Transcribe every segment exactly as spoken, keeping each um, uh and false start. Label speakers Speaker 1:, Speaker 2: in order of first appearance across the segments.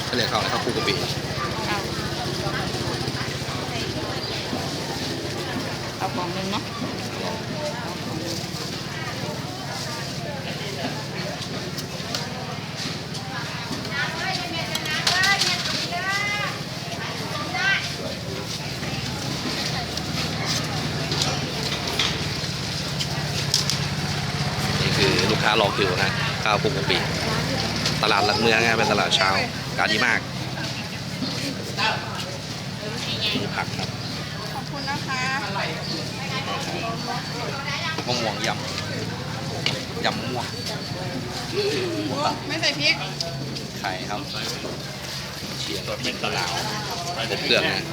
Speaker 1: เขาเรียกข้าวอะไรข้าวคลุกกะปิ
Speaker 2: เอาเอาของหนึ่งเนาะ
Speaker 1: นี่คือลูกค้ารอคิวนะข้าวคลุกกะปิตลาดหลักเมืองนะเป็นตลาดเช้าอากาศดีมากผักครับ
Speaker 2: ขอบคุณนะคะ
Speaker 1: มะม่วงยำยำมะม่วง
Speaker 2: ไม่ใส่พริก
Speaker 1: ไข่ครับเชียงพริกมะนาวครบเครื่องนะ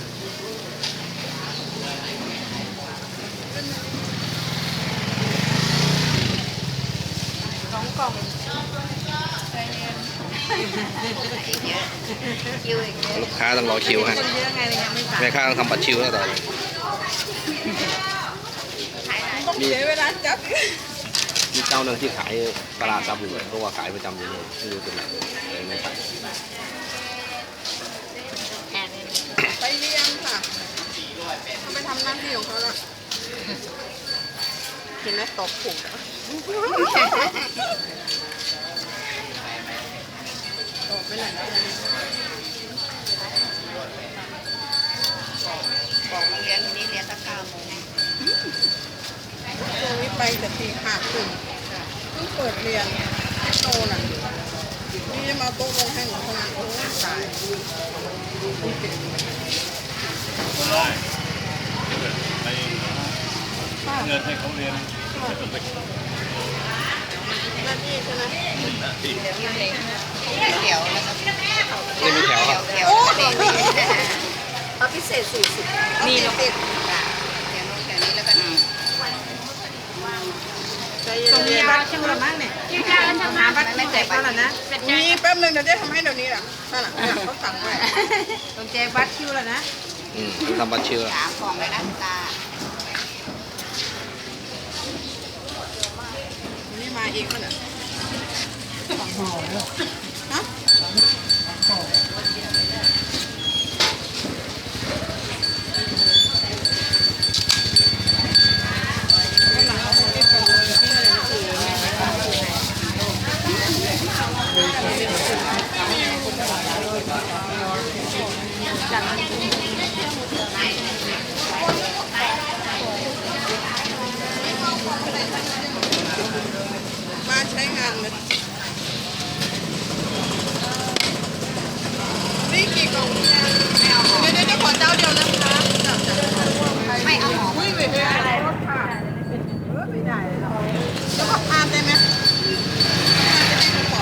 Speaker 2: สองกล่องใจเย็นเยอะคิวอีกเยอะ
Speaker 1: ลูกค้าต้องรอคิวฮะ
Speaker 2: คนเยอะไงเลยยังไม่สั่ง
Speaker 1: แม่ค้าต้องทำบัตรคิวแล้วต่อเลย
Speaker 2: ต้องเสียเวลาจับ
Speaker 1: มีเจ้าหนึ่งที่ขายปลาร้าซับอยู่เลยเพราะว่าขายประจำอยู่เลยไม่รู้เป็นไรเลยไม่ขาย
Speaker 2: ไปเรียนค่ะเขาไปทำหน้าที่ของเขาแล้วเห็นไหมตบผูกตบไปไหนแล้วบอกโรงเรียนทีนี้เรียนตั้งเก้าโมงช่วงนี้ไปแต่ตีห้าครึ่งเพิ่งเปิดเรียนที่โตน่ะนี่จะมาโต๊ะลงให้หนูทำงานโอ้ยตาย
Speaker 3: ได้ไปเงินให้เขาเรียน
Speaker 2: หน้าที่ใช่ไหม
Speaker 3: ที่
Speaker 2: เดี๋ยวแล้วก็
Speaker 1: ไม่มีแถวครับ
Speaker 2: เดี๋ยวเด็กเอาพิเศษสี่สิบมีพิเศษเดี๋ยวนู้นเดี๋ยวนี้แล้วก็ตรงนี้บัตรชื่อละมั้งเนี่ยที่จะหาบัตรไม่ใส่บัตรแล้วนะมีแป๊บนึงเดี๋ยวจะทำให้เดี๋ยวนี้แหละนั่นแหละเขาสั่งไว้ตรงแจบัตรคิวแล้วนะ
Speaker 1: อืมทำบัตรคิวแล้ว
Speaker 2: สามกล่องเลยนะตานี่มาเองมั้งเนี่ยฮะมาใช้งานเลยนี่กี่กล่องเดี๋ยวเดี๋ยวจะขอเจ้าเดียวนะคะไม่เอาหอมไม่ไม่ได้อะไรรถผ่านเออไม่ได้เลยแล้วก็ทานได้ไหมทานจะได้ก่อน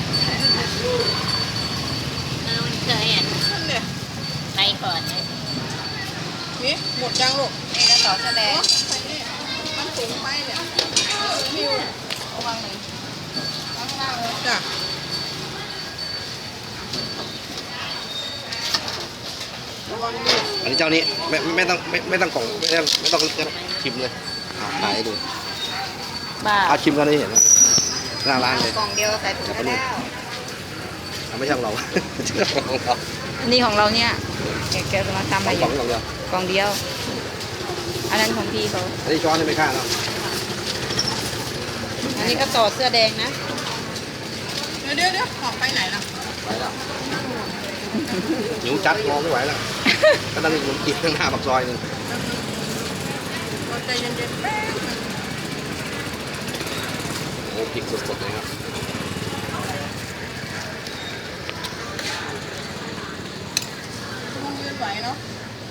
Speaker 4: เออมันเคยอ่ะ
Speaker 2: นั่นเนี่ย
Speaker 4: ไปก่อนเลย
Speaker 2: นี่หมดยังลูก
Speaker 4: นี่ก็ต่อแสดง
Speaker 2: มันสูงไปเนี่ยคิว
Speaker 4: ระวังหนึ่ง
Speaker 2: จ้ะ
Speaker 1: อันนี้เจ้านี้ไม่ไม่ต้องไม่ไม่ต้องกล่องไม่ต้องไม่ต้องชิมเลยเอาขายให้ดู
Speaker 4: บ้า
Speaker 1: เอาชิมกันได้เห็นนะหน้าร้านเลย
Speaker 2: กล่องเดียวใส่ถุงก็ได้
Speaker 1: เอาไม่ใช่ของเรา ของเรา
Speaker 4: อันนี้ของเราเนี่ยแกแกจะมาทำ
Speaker 1: ข
Speaker 4: อะ
Speaker 1: อง
Speaker 4: ไร
Speaker 1: กล่องเดียว
Speaker 4: กล่องเดียว อันนั้นของพี่เขา
Speaker 1: อันนี้ช้อนนี่ไม่ค่าเนาะ
Speaker 4: อันนี้ก็ต่อเสื้อแดงนะ
Speaker 2: เดี๋ยวเดี๋ยวเดี๋ยวของไปไหนล่ะ
Speaker 1: ไหวแล้วหิวจัดมองไม่ไหวแล้วก็ต้องมีขนมจีนข้างหน้าปากซอยหนึ่ง
Speaker 2: เราใจเย็นๆแป๊บนึง
Speaker 1: โอ้พริกสดๆเลยครับ
Speaker 2: มันยืนไหวเนาะ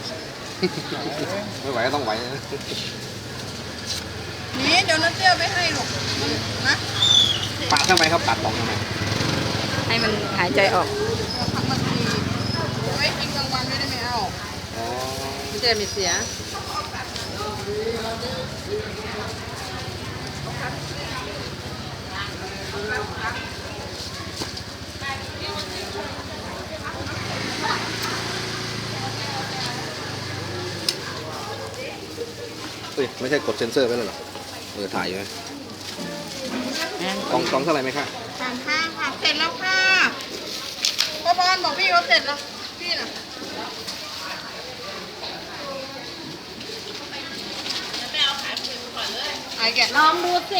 Speaker 1: ไม่ไหวก็ต้องไหวนะ
Speaker 2: นี่เดี๋ยวน้าเตี้ยไปให้ลูกนะ
Speaker 1: ปาดทำไมครับปาดกล่องทำไม
Speaker 4: ให้มันหายใจออก
Speaker 2: เราทำมันทีไว้กินกลางวันไม่ได้ไม่เอา
Speaker 1: อ๋อ
Speaker 4: มันจะไม่เสีย
Speaker 1: เฮ้ยไม่ใช่กดเซ็นเซอร์ไว้แล้วเหรอเออถ่ายอยู่ไหมกล่องกล่องเท่าไหร่ไหมคะ
Speaker 2: สามห้าค่ะเสร็จแล้วค่ะพ่อบอลบอกพี่เขาเสร็จแล้วพี่น่ะไอ้แกะ
Speaker 5: ลองดูสิ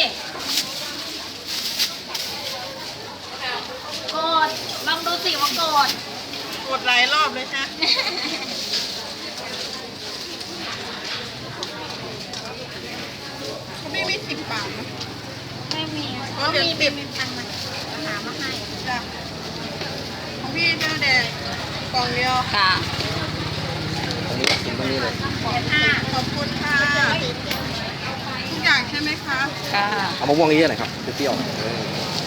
Speaker 5: กดลองดูสิว่ากด
Speaker 2: กดหลายรอบเลยฮะเขาไม่มีสิบบาทนะ
Speaker 5: ไม่มี
Speaker 2: อ๋อเดี๋ยว
Speaker 5: มี
Speaker 2: ติด
Speaker 5: มีตังค์มาหามาให้
Speaker 2: จ้ะของพี่เจ้าแดงกล่องเดียว
Speaker 4: ค่ะ
Speaker 1: ตรงนี้กินตรงนี้เลย
Speaker 5: ห้า
Speaker 2: ขอบคุณค่ะทุกอย่างใช่ไหมคะ
Speaker 4: ค่ะ
Speaker 1: เอามะม่วงเยอะๆหน่อยครับเปรี้ยวๆเออ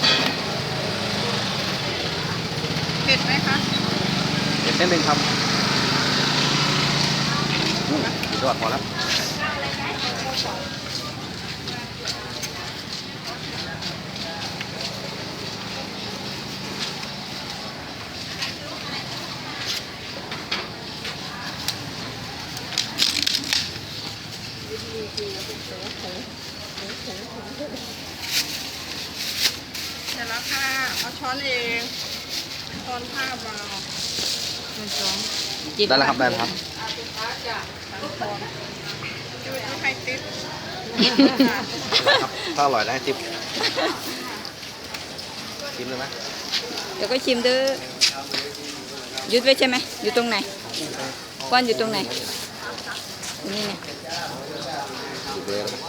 Speaker 2: เผ็ดไหมคะ
Speaker 1: เด็ดนิดนึงครับอืมสุดยอดพอแล้ว
Speaker 2: เสร็จแล้วค่ะเอาช้อนเองช้อนผ้าเบา
Speaker 4: จิบ
Speaker 1: ได้แล้วครับได้แล้วครับ
Speaker 2: ดูดูไข่ติ๊บ
Speaker 1: ครับถ้าอร่อยได้ทิปชิมเลยไหม
Speaker 4: เดี๋ยวก็ชิมเด้อหยุดไว้ใช่ไหมอยู่ตรงไหนก้อนอยู่ตรงไหนตรงนี้เนี่ย
Speaker 1: ชิมเลยนะ